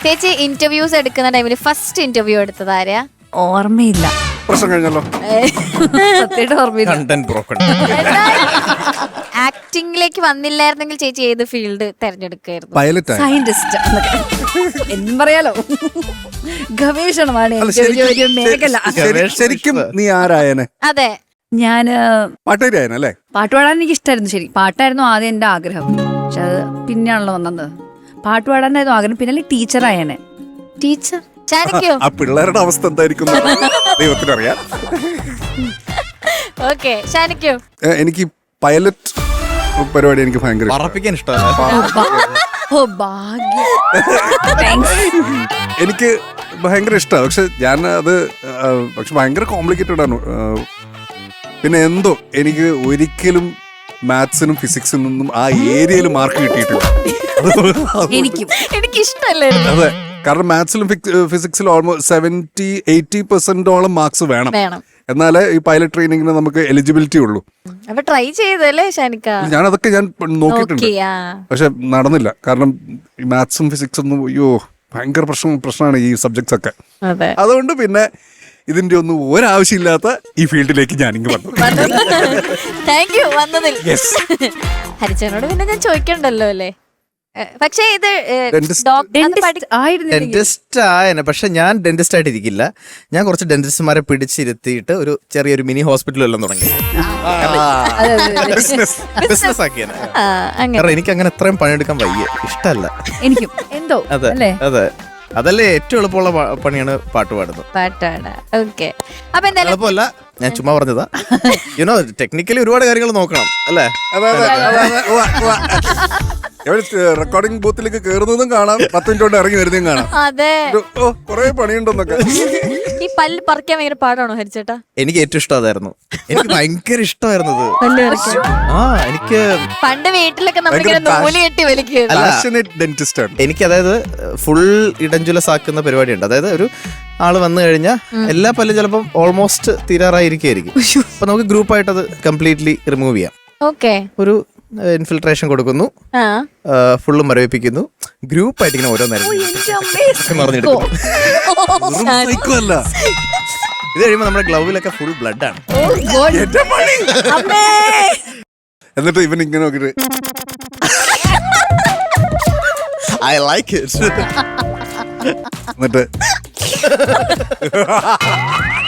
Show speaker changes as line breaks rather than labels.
ചേച്ചി ഇന്റർവ്യൂസ് എടുക്കുന്ന ടൈമിൽ ഫസ്റ്റ് ഇന്റർവ്യൂ എടുത്തത് ആരെയാ?
ഓർമ്മയില്ല.
പ്രശ്നം കഴിഞ്ഞല്ലോ.
സത്യമായിട്ട് ഓർമ്മയില്ല.
Content broken.
ആക്ടിംഗിലേക്ക് വന്നില്ലായിരുന്നെങ്കിൽ ചേച്ചി ഏത് ഫീൽഡ് തെരഞ്ഞെടുക്കായിരുന്നു?
പൈലറ്റ്
സയന്റിസ്റ്റ് എന്നും പറയാലോ. ഗവേഷണമാണ്
അല്ല,
എനിക്ക് ഒരു മേഖല.
ശരിക്കും നീ ആരായനെ?
അതെ,
ഞാന്
പാട്ടുകാരിയായനല്ലേ?
പാട്ട് പാടാൻ എനിക്ക് ഇഷ്ടമായിരുന്നു. ശരി, പാട്ടായിരുന്നു ആദ്യം എന്റെ ആഗ്രഹം. പക്ഷെ അത് പിന്നെയാണല്ലോ വന്നത്. പാട്ട് പാടാനായിരുന്നു ആഗ്രഹം. പിന്നെ ടീച്ചറായനെ.
ടീച്ചർ. ശാനിക്കോ?
ആ പിള്ളേരുടെ അവസ്ഥ എന്തായിരിക്കും ദൈവത്തിനറിയാം.
ഓക്കെ, ശാനിക്കോ?
എനിക്ക് പൈലറ്റ് പരിപാടി എനിക്ക് ഭയങ്കര
പറപ്പിക്കാൻ ഇഷ്ടമല്ല.
ഓ ഭാഗ്യം. Thanks.
എനിക്ക് ഭയങ്കര ഇഷ്ടമാണ്. പക്ഷെ ഞാൻ അത് പക്ഷെ ഭയങ്കര കോംപ്ലിക്കേറ്റഡ് ആണ്. പിന്നെ എന്തോ എനിക്ക് ഒരിക്കലും മാത്സിനും ഫിസിക്സിനും ഒന്നും ആ ഏരിയയിൽ മാർക്ക് കിട്ടിയിട്ടില്ല.
എനിക്ക് ഇഷ്ടമല്ലേ?
അതെ, കാരണം മാത്സിലും ഫിസിക്സിലും ഓൾമോസ്റ്റ് 70-80% മാർക്സ് വേണം. എന്നാലേ ഈ പൈലറ്റ് ട്രെയിനിങ്ങിന് നമുക്ക് എലിജിബിലിറ്റി ഉള്ളൂ.
അപ്പൊ ട്രൈ ചെയ്തല്ലേ ഷാനിക്ക?
ഞാൻ നോക്കിയിട്ടുണ്ട്, പക്ഷെ നടന്നില്ല. കാരണം ഈ മാത്സും ഫിസിക്സും ഒന്നും അയ്യോ ഭയങ്കര പ്രശ്നമാണ് ഈ സബ്ജക്ട്സ് ഒക്കെ. അതുകൊണ്ട് പിന്നെ ഇതിന്റെ ഒന്നും ഒരാവശ്യമില്ലാത്ത ഈ ഫീൽഡിലേക്ക് ഞാനിങ്ങ് വന്നു.
താങ്ക് യു വന്നതിൽ. ഹരിച്ചനോട് പിന്നെ ഞാൻ ചോദിക്കണ്ടല്ലോ അല്ലേ? പക്ഷേ ഇത്
ഡെന്റിസ്റ്റ് ആയനെ. പക്ഷെ ഞാൻ ഡെന്റിസ്റ്റ് ആയിട്ട് ഇരിക്കില്ല. ഞാൻ കുറച്ച് ഡെന്റിസ്റ്റ്മാരെ പിടിച്ചിരുത്തിയിട്ട് ഒരു ചെറിയൊരു മിനി ഹോസ്പിറ്റൽ എല്ലാം തുടങ്ങി ബിസിനസ് ആക്കിയാണ്. കാരണം എനിക്ക് അങ്ങനെ എത്രയും പണിയെടുക്കാൻ വയ്യ, ഇഷ്ടമല്ല
എനിക്കും എന്തോ.
അതെ അതെ, അതല്ലേ ഏറ്റവും എളുപ്പമുള്ള പണിയാണ് പാട്ട് പാടുന്നത്. എളുപ്പമല്ല, ഞാൻ ചുമ്മാ പറഞ്ഞതാ. യുനോ ടെക്നിക്കലി ഒരുപാട് കാര്യങ്ങൾ നോക്കണം അല്ലേ?
റെക്കോർഡിംഗ് ബൂത്തിലേക്ക് കയറുന്നതും കാണാം, 10 മിനിറ്റ് കൊണ്ട് ഇറങ്ങി വരുന്നതും കാണാം. കൊറേ പണിയുണ്ടെന്നൊക്കെ.
ഈ പല്ല് പറിക്കാൻ ഭയങ്കര പാടാണോ ഹരിച്ചേട്ടാ?
എനിക്ക് ഏറ്റവും ഇഷ്ടം അതായിരുന്നു. എനിക്ക് ഭയങ്കര ഇഷ്ടമായിരുന്നത്. എനിക്ക്
പണ്ട് വീട്ടിലൊക്കെ നമ്മളിങ്ങനെ നൂല് കെട്ടി വലിക്കും.
എനിക്ക് അതായത് ഫുൾ ഇടഞ്ചുലസ് ആക്കുന്ന പരിപാടിയുണ്ട്. അതായത് ഒരു ആള് വന്നു കഴിഞ്ഞാൽ എല്ലാ പല്ലും ചിലപ്പം ഓൾമോസ്റ്റ് തീരാറായിരിക്കും. അപ്പൊ നമുക്ക് ഗ്രൂപ്പായിട്ട് അത് കംപ്ലീറ്റ്ലി റിമൂവ് ചെയ്യാം. ഒരു ഇൻഫിൽട്രേഷൻ കൊടുക്കുന്നു, ഫുള്ളും മരവിപ്പിക്കുന്നു, ഗ്രൂപ്പായിട്ട് ഇങ്ങനെ ഓരോ നേരം ഇത് കഴിയുമ്പോൾ നമ്മുടെ ഗ്ലൗവിലൊക്കെ ഫുൾ ബ്ലഡ് ആണ്.
എന്നിട്ട് ഇവൻ ഇങ്ങനെ നോക്കിട്ട്
ഐ ലൈക്ക് ഇറ്റ്.
എന്നിട്ട്